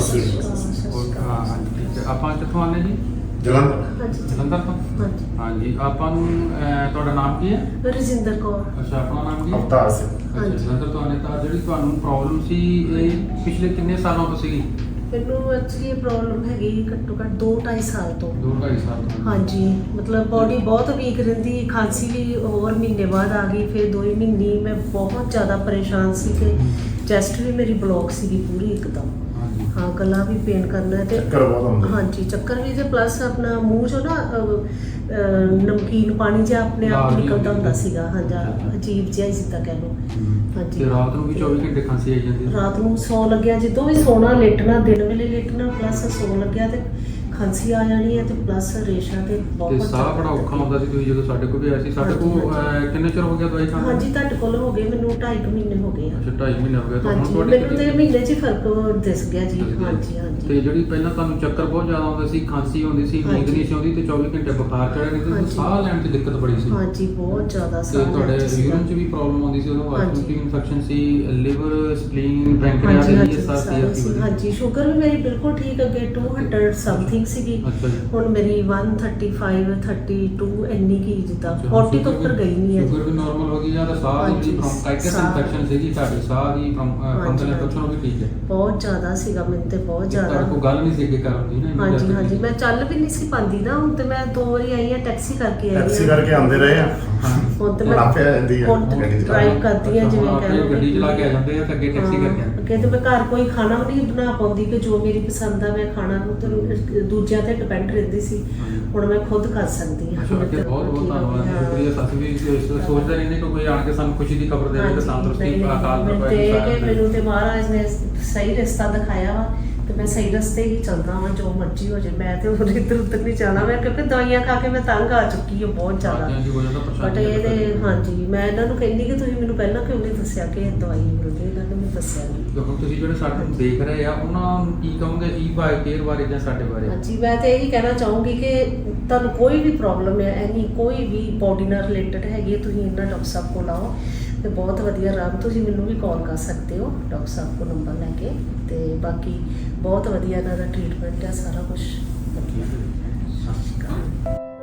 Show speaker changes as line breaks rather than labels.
ਸਤਿ ਸ਼੍ਰੀ ਅਕਾਲ।
ਹਾਂਜੀ ਠੀਕ ਹੈ। ਆਪਾਂ ਕਿੱਥੋਂ ਆਉਂਦੇ ਜੀ?
ਜਲੰਧਰ।
ਹਾਂਜੀ
ਜਲੰਧਰ ਤੋਂ।
ਹਾਂਜੀ
ਹਾਂਜੀ ਆਪਾਂ ਨੂੰ ਤੁਹਾਡਾ ਨਾਮ ਕੀ ਹੈ?
ਰਜਿੰਦਰ ਕੌਰ।
ਅੱਛਾ ਆਪਣਾ ਨਾਮ ਕੀ ਹੈ?
ਅਵਤਾਰ ਸਿੰਘ।
ਅੱਛਾ
ਹਾਂਜੀ।
ਜਲੰਧਰ ਤੋਂ ਆਉਂਦੇ ਤਾਂ ਜਿਹੜੀ ਤੁਹਾਨੂੰ ਪ੍ਰੋਬਲਮ ਸੀ ਇਹ ਪਿਛਲੇ ਕਿੰਨੇ ਸਾਲਾਂ ਤੋਂ ਸੀਗੀ?
ਮੈਨੂੰ ਐਕਚੁਅਲੀ ਇਹ ਪ੍ਰੋਬਲਮ ਹੈਗੀ ਘੱਟੋ ਘੱਟ 2-2.5 ਸਾਲ ਤੋਂ।
2-2.5 ਸਾਲ ਤੋਂ।
ਹਾਂਜੀ ਮਤਲਬ ਬਾਡੀ ਬਹੁਤ ਵੀਕ ਰਹਿੰਦੀ, ਖਾਂਸੀ ਵੀ ਹੋਰ ਮਹੀਨੇ ਬਾਅਦ ਆ ਗਈ, ਫਿਰ 2 ਮਹੀਨੇ ਮੈਂ ਬਹੁਤ ਜ਼ਿਆਦਾ ਪਰੇਸ਼ਾਨ ਸੀ ਕਿ ਚੈਸਟ ਵੀ ਮੇਰੀ ਬਲੌਕ ਸੀਗੀ ਪੂਰੀ ਇੱਕਦਮ।
ਹਾਂਜੀ
ਹਾਂ ਗਲਾ ਵੀ ਪੇਨ ਕਰਨਾ ਤੇ
ਚੱਕਰ ਬਹੁਤ ਆਉਂਦੇ।
ਹਾਂਜੀ ਚੱਕਰ ਵੀ ਤੇ ਪਲੱਸ ਆਪਣਾ ਮੂੰਹ ਚੋਂ ਨਾ ਨਮਕੀਨ ਪਾਣੀ ਜਿਹਾ ਆਪਣੇ ਆਪ
ਲਾਲ
ਨਿਕਲਦਾ ਹੁੰਦਾ
ਜਿਹੀ
ਸੀਗਾ। ਹਾਂਜੀ ਅਜੀਬ ਜਿਹਾ ਹੀ ਜਿੱਦਾਂ ਕਹਿ ਲਓ। ਹਾਂਜੀ
ਤੇ ਰਾਤ ਨੂੰ ਵੀ 24 ਘੰਟੇ ਖਾਂਸੀ ਆਈ ਜਾਂਦੀ?
ਰਾਤ ਨੂੰ ਸੌਣ ਲੱਗਿਆ ਜਦੋਂ ਵੀ ਸੋਣਾ ਲੇਟਣਾ, ਦਿਨ ਵੇਲੇ ਲੇਟਣਾ ਪਲੱਸ ਸੌਣ ਲੱਗਿਆ ਤੇ ਖਾਂਸੀ ਆ ਜਾਣੀ ਹੈ ਤੇ ਪਲੱਸ ਰੇਸ਼ਾ ਤੇ
ਤੇ
ਬਹੁਤ
ਸਾਹ ਬੜਾ ਔਖਾ ਹੁੰਦਾ ਸੀ। ਤੁਸੀਂ ਜਦੋਂ ਸਾਡੇ ਕੋਲ ਵੀ ਆਏ ਸੀ, ਸਾਡੇ ਕੋਲ ਕਿੰਨੇ ਚਿਰ ਹੋ ਗਿਆ ਦਵਾਈ ਖਾਂਦੇ?
ਹਾਂਜੀ ਤੁਹਾਡੇ ਕੋਲ ਹੋ ਗਏ ਮੈਨੂੰ 2.5 ਮਹੀਨੇ ਹੋ ਗਏ ਆ।
ਅੱਛਾ 2.5 ਮਹੀਨੇ ਹੋ ਗਏ ਤਾਂ ਹੁਣ
ਹਾਂਜੀ
ਤੁਹਾਡੀ
ਮੈਨੂੰ ਤੇ ਮਹੀਨੇ 'ਚ ਹੀ ਫਰਕ ਦਿਸ ਗਿਆ ਜੀ। ਹਾਂਜੀ ਹਾਂਜੀ
ਤੇ ਜਿਹੜੀ ਪਹਿਲਾਂ ਤੁਹਾਨੂੰ ਚੱਕਰ ਬਹੁਤ ਜ਼ਿਆਦਾ ਆਉਂਦੇ ਸੀ, ਖਾਂਸੀ ਹੁੰਦੀ ਸੀ, ਨੀਂਦ
ਹਾਂਜੀ।
ਨਹੀਂ ਸੀ ਆਉਂਦੀ ਤੇ 24 ਘੰਟੇ ਬੁਖਾਰ ਚੜਿਆ ਰਹਿੰਦਾ ਸੀ,
ਹਾਂਜੀ।
ਸਾਹ ਲੈਣ 'ਚ ਦਿੱਕਤ ਬੜੀ ਸੀ।
ਹਾਂਜੀ ਬਹੁਤ ਜ਼ਿਆਦਾ
ਤੇ
ਸਾਹ
ਤੁਹਾਡੇ
ਲੈਣ 'ਚ ਸੀਗਾ।
ਯੂਰਿਨ 'ਚ ਵੀ ਪ੍ਰੋਬਲਮ ਆਉਂਦੀ ਸੀ, ਉਹਦਾ ਵਾਸ਼ਰੂਮ 'ਚ
ਹਾਂਜੀ।
ਇਨਫੈਕਸ਼ਨ ਸੀ, ਲਿਵਰ, ਸਪਲੀਨ, ਪੈਂਕ੍ਰੀਆਸ
ਹਾਂਜੀ
ਇਹ
ਹਾਂਜੀ
ਸਾਰਾ
ਸਾਰੇ ਸੀ।
ਸੀ।
ਹਾਂਜੀ ਸ਼ੂਗਰ ਵੀ ਮੇਰੀ ਬਿਲਕੁਲ ਠੀਕ ਅੱਗੇ 200 ਸਮਥਿੰਗ ਸੀਗੀ।
ਅੱਛਾ ਜੀ।
ਹੁਣ ਮੇਰੀ 135 32 ਇੰਨੀ ਕੀ ਜਿੱਦਾਂ
ਅੱਛਾ,
40 ਤੋਂ
ਸ਼ੂਗਰ
ਉੱਪਰ ਗਈ ਨਹੀਂ ਹੈ
ਸ਼ੂਗਰ ਵੀ ਨਾਰਮਲ ਹੋ ਗਈ ਜਾਂ ਤਾਂ ਸਾਹ ਦੀ
ਹਾਂਜੀ,
ਬ੍ਰੌਂਕਾਈਟਿਸ
ਸਾਹ।
ਇਨਫੈਕਸ਼ਨ ਸੀਗੀ, ਤੁਹਾਡੇ ਸਾਹ ਦੀ ਫੰਗਲ
ਹਾਂਜੀ,
ਇਨਫੈਕਸ਼ਨ ਉਹ ਵੀ ਠੀਕ ਹੈ?
ਬਹੁਤ ਜ਼ਿਆਦਾ ਸੀਗਾ ਮੈਨੂੰ ਤੇ ਬਹੁਤ
ਤੁਹਾਡੇ
ਜ਼ਿਆਦਾ।
ਕੋਲ ਗੱਲ ਨਹੀਂ ਸੀ ਅੱਗੇ ਕਰਨ ਦੀ ਨਾ ਇੰਨੀ
ਹਾਂਜੀ
ਜ਼ਿਆਦਾ
ਹਾਂਜੀ ਮੈਂ ਚੱਲ ਵੀ ਨਹੀਂ ਸੀ ਪਾਉਂਦੀ ਨਾ। ਹੁਣ ਤੇ ਮੈਂ 2 ਵਾਰੀ ਆਈ ਆ ਟੈਕਸੀ ਕਰਕੇ ਆਈ ਆ।
ਟੈਕਸੀ ਕਰਕੇ ਆਉਂਦੇ ਰਹੇ ਆ।
ਹੁਣ ਤੇ
ਹੁਣ ਆਪੇ ਆ ਜਾਂਦੀ ਆ
ਹੁਣ
ਗੱਡੀ ਚਲਾ
ਡਰਾਈਵ ਕਰਦੀ ਆ
ਅੱਛਾ,
ਜਿਵੇਂ
ਹੁਣ
ਕਹਿ
ਆਪਣੀ
ਲਓ
ਗੱਡੀ ਚਲਾ ਕੇ ਆ ਜਾਂਦੇ ਆ ਤੇ ਅੱਗੇ ਟੈਕਸੀ ਕਰਕੇ ਆਉਂਦੇ।
ਅੱਗੇ ਤੇ ਮੈਂ ਘਰ ਕੋਈ ਖਾਣਾ ਵੀ ਨਹੀਂ ਬਣਾ ਪਾਉਂਦੀ ਕਿ ਜੋ ਮੇਰੀ ਪਸੰਦ ਆ ਮੈਂ ਖਾਣਾ ਨੂੰ ਤੇ ਦੂਜਿਆਂ ਤੇ ਡਿਪੈਂਡ ਰਹਿੰਦੀ ਸੀ। ਹੁਣ ਮੈਂ ਖੁਦ ਕਰ ਸਕਦੀ ਹਾਂ।
ਅੱਛਾ ਅੱਗੇ ਬਹੁਤ ਬਹੁਤ ਧੰਨਵਾਦ
ਹਾਂ।
ਸ਼ੁਕਰੀਆ। ਅਸੀਂ ਵੀ ਸੋਚਦੇ ਰਹਿੰਦੇ ਕਿ ਕੋਈ ਆਣ ਕੇ ਸਾਨੂੰ ਖੁਸ਼ੀ ਦੀ ਖਬਰ ਦੇਵੇ ਤੇ ਤੰਦਰੁਸਤੀ ਅਕਾਲ
ਮੈਨੂੰ
ਪੁਰਖ
ਤੇ
ਦੀ
ਕਿ ਮੈਨੂੰ ਤੇ ਮਹਾਰਾਜ ਨੇ ਸਹੀ ਰਸਤਾ ਦਿਖਾਇਆ ਵਾ ਤੇ ਮੈਂ ਸਹੀ ਰਸਤੇ ਹੀ ਚੱਲਦਾ ਹਾਂ। ਜੋ ਮਰਜ਼ੀ ਹੋ ਜਾਏ ਮੈਂ ਤੇ ਹੋਰ ਇੱਧਰ ਉੱਧਰ ਨਹੀਂ ਜਾਣਾ। ਮੈਂ ਕਿਉਂਕਿ ਦਵਾਈਆਂ ਖਾ ਕੇ ਮੈਂ ਤੰਗ ਆ ਚੁੱਕੀ ਹਾਂ ਬਹੁਤ ਜ਼ਿਆਦਾ।
ਹਾਂਜੀ ਹੋ ਜਾਂਦਾ
ਬਟ
ਪਰੇਸ਼ਾਨੀ
ਇਹਦੇ ਹਾਂਜੀ ਮੈਂ ਇਹਨਾਂ ਨੂੰ ਕਹਿੰਦੀ ਕਿ ਤੁਸੀਂ ਮੈਨੂੰ ਪਹਿਲਾਂ ਕਿਉਂ ਨਹੀਂ ਦੱਸਿਆ ਕਿ ਇਹ ਦਵਾਈ ਮਿਲਦੀ। ਇਹਨਾਂ ਨੇ ਮੈਨੂੰ ਦੱਸਿਆ ਨਹੀਂ।
ਹੁਣ ਤੁਸੀਂ ਜਿਹੜੇ ਸਾਨੂੰ ਦੇਖ ਰਹੇ ਆ ਉਹਨਾਂ ਨੂੰ ਕੀ ਕਹੋਗੇ ਈ ਬਾਈ ਕੇਅਰ ਬਾਰੇ ਜਾਂ ਸਾਡੇ ਬਾਰੇ?
ਹਾਂਜੀ ਮੈਂ ਤੇ ਇਹੀ ਕਹਿਣਾ ਚਾਹੂੰਗੀ ਕਿ ਤੁਹਾਨੂੰ ਕੋਈ ਵੀ ਪ੍ਰੋਬਲਮ ਹੈ ਐਨੀ ਕੋਈ ਵੀ ਬੋਡੀ ਨਾਲ ਰਿਲੇਟਡ ਹੈਗੀ ਹੈ, ਤੁਸੀਂ ਇਹਨਾਂ ਡਾਕਟਰ ਸਾਹਿਬ ਕੋਲ ਆਓ ਤੇ ਬਹੁਤ ਵਧੀਆ ਆਰਾਮ। ਤੁਸੀਂ ਮੈਨੂੰ ਵੀ ਕਾਲ ਕਰ ਸਕਦੇ ਹੋ ਡਾਕਟਰ ਸਾਹਿਬ ਕੋਲ ਨੰਬਰ ਲੈ ਕੇ। ਤੇ ਬਾਕੀ ਬਹੁਤ ਵਧੀਆ ਇਹਨਾਂ ਦਾ ਟ੍ਰੀਟਮੈਂਟ ਹੈ, ਸਾਰਾ ਕੁਝ ਵਧੀਆ।
ਸਤਿ ਸ਼੍ਰੀ ਅਕਾਲ।